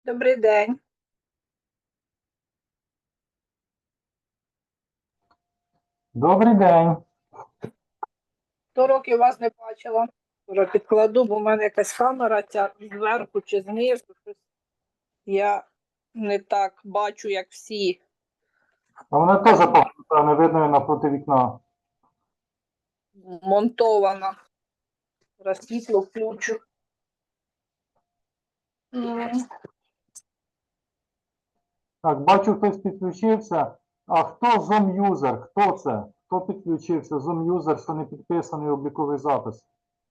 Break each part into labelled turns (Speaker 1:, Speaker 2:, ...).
Speaker 1: Добрий день.
Speaker 2: Добрий день.
Speaker 1: 100 років вас не бачила. Вже підкладу, бо в мене якась камера ця зверху чи знизу. Я не так бачу, як всі.
Speaker 2: А вона теж погано, не видно навпроти вікна.
Speaker 1: Монтована. Зараз світло включу.
Speaker 2: Так, бачу, хтось підключився. А хто Zoom-юзер? Хто це? Хто підключився? Zoom-юзер, що не підписаний обліковий запис.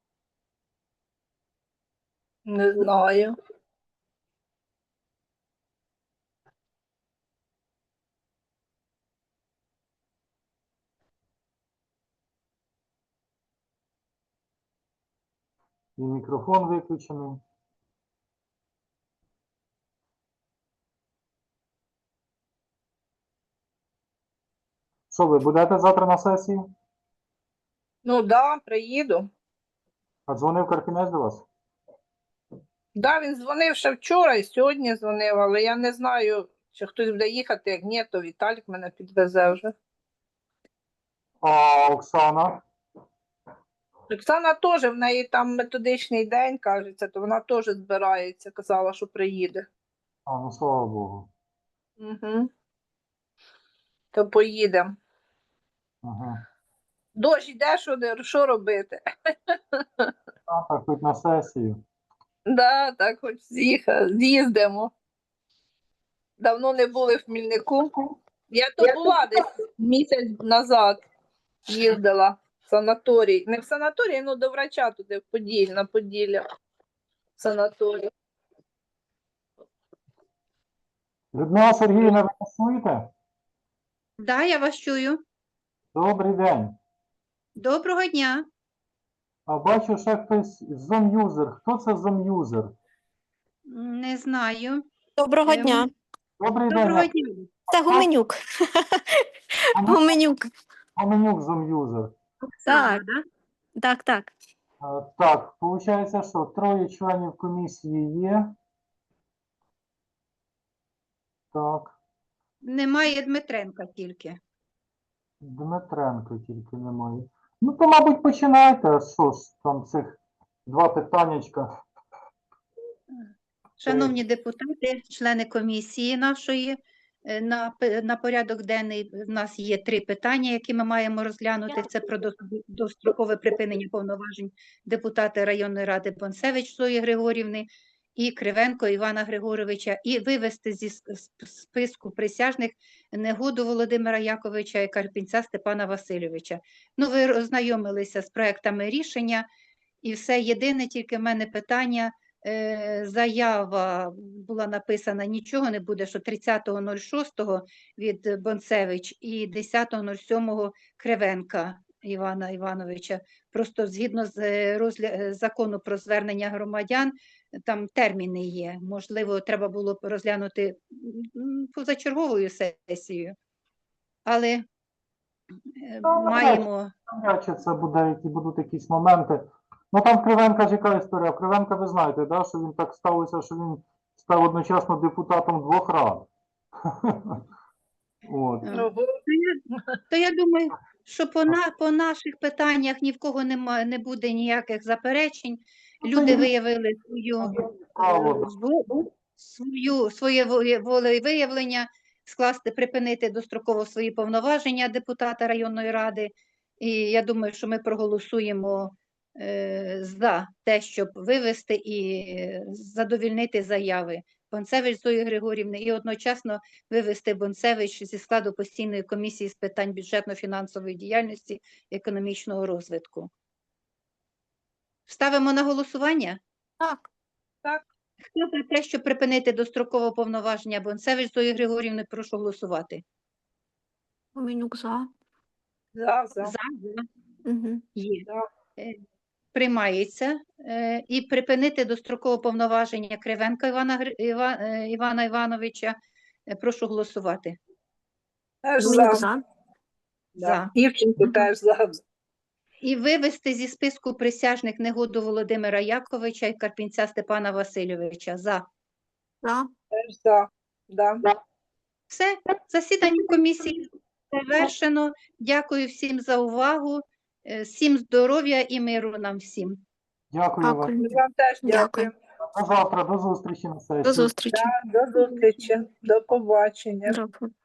Speaker 1: Не знаю.
Speaker 2: І мікрофон виключений. Що, ви будете завтра на сесії?
Speaker 1: Ну да, приїду.
Speaker 2: А дзвонив Карпінець до вас?
Speaker 1: Да, він дзвонив ще вчора і сьогодні дзвонив, але я не знаю, чи хтось буде їхати. Як ні, то Віталік мене підвезе вже.
Speaker 2: А Оксана?
Speaker 1: Оксана теж, в неї там методичний день, кажеться, то вона теж збирається, казала, що приїде.
Speaker 2: А, ну слава Богу.
Speaker 1: Угу. То поїдемо.
Speaker 2: Ага.
Speaker 1: Дощ йде, що робити?
Speaker 2: А, так, хоч на сесію.
Speaker 1: Да, так хоч з'їздимо. Давно не були в Хмільнику. Я то була десь місяць назад, їздила в санаторій. Не в санаторій, ну до врача туди, на Поділля. В санаторій.
Speaker 2: Людмила Сергіївна, ви нас чуєте?
Speaker 3: Да, я вас чую.
Speaker 2: Добрий день.
Speaker 3: Доброго дня.
Speaker 2: А бачу, ще хтось Zoom-юзер. Хто це Zoom-юзер?
Speaker 3: Не знаю.
Speaker 4: Доброго дня.
Speaker 2: Добрий день.
Speaker 3: Доброго дня.
Speaker 4: Це Гуменюк. Гуменюк.
Speaker 2: Гуменюк Zoom-юзер.
Speaker 3: Оксана,
Speaker 4: Так.
Speaker 3: да?
Speaker 4: Так.
Speaker 2: Так, виходить, що 3 членів комісії є. Так,
Speaker 3: Немає Дмитренка тільки.
Speaker 2: Дмитренко тільки немає. Ну, то, мабуть, починайте. А що ж, там цих 2 питаннячка.
Speaker 3: Шановні депутати, члени комісії нашої, на порядок денний в нас є 3 питання, які ми маємо розглянути. Це про дострокове припинення повноважень депутата районної ради Бонцевич Зої Григорівни і Кривенко Івана Григоровича, і вивести зі списку присяжних Негоду Володимира Яковича і Карпінця Степана Васильовича. Ну, ви ознайомилися з проектами рішення, і все. Єдине тільки в мене питання. Заява була написана, нічого не буде, що 30.06 від Бонцевич і 10.07 Кривенка Івана Івановича. Просто згідно з закону про звернення громадян, там терміни є. Можливо, треба було розглянути позачерговою сесією. Але маємо...
Speaker 2: Чи це буде, які будуть якісь моменти. Ну, там в Кривенка ж яка історія. В Кривенка ви знаєте, да, що він так сталося, що він став одночасно депутатом 2 рад. От.
Speaker 3: То я думаю, що по наших питаннях ні в кого не буде ніяких заперечень. Люди виявили своє волевиявлення, припинити достроково свої повноваження депутата районної ради. І я думаю, що ми проголосуємо за те, щоб вивести і задовільнити заяви Бонцевич Зої Григорівни і одночасно вивести Бонцевич зі складу постійної комісії з питань бюджетно-фінансової діяльності і економічного розвитку. Ставимо на голосування?
Speaker 4: Так.
Speaker 3: Хто за те, щоб припинити дострокове повноваження Бонцевич Зої Григорівни, прошу голосувати.
Speaker 4: Гуменюк за.
Speaker 1: За.
Speaker 4: Угу.
Speaker 3: Є. Приймається. І припинити дострокове повноваження Кривенка Івана Івановича. Прошу голосувати.
Speaker 1: Теж
Speaker 4: Гуменюк
Speaker 1: за.
Speaker 4: за.
Speaker 3: За.
Speaker 1: Івченко теж за.
Speaker 3: І вивести зі списку присяжних Негоду Володимира Яковича і Карпінця Степана Васильовича. За.
Speaker 4: За.
Speaker 1: теж за. Да.
Speaker 3: Все, засідання комісії завершено. Дякую всім за увагу. Всім здоров'я і миру нам всім.
Speaker 2: Дякую вам.
Speaker 4: Дякую.
Speaker 1: Вам теж
Speaker 4: Дякую.
Speaker 1: дякую.
Speaker 2: До завтра, до зустрічі на сесії.
Speaker 4: До зустрічі.
Speaker 1: До зустрічі. До побачення.
Speaker 4: До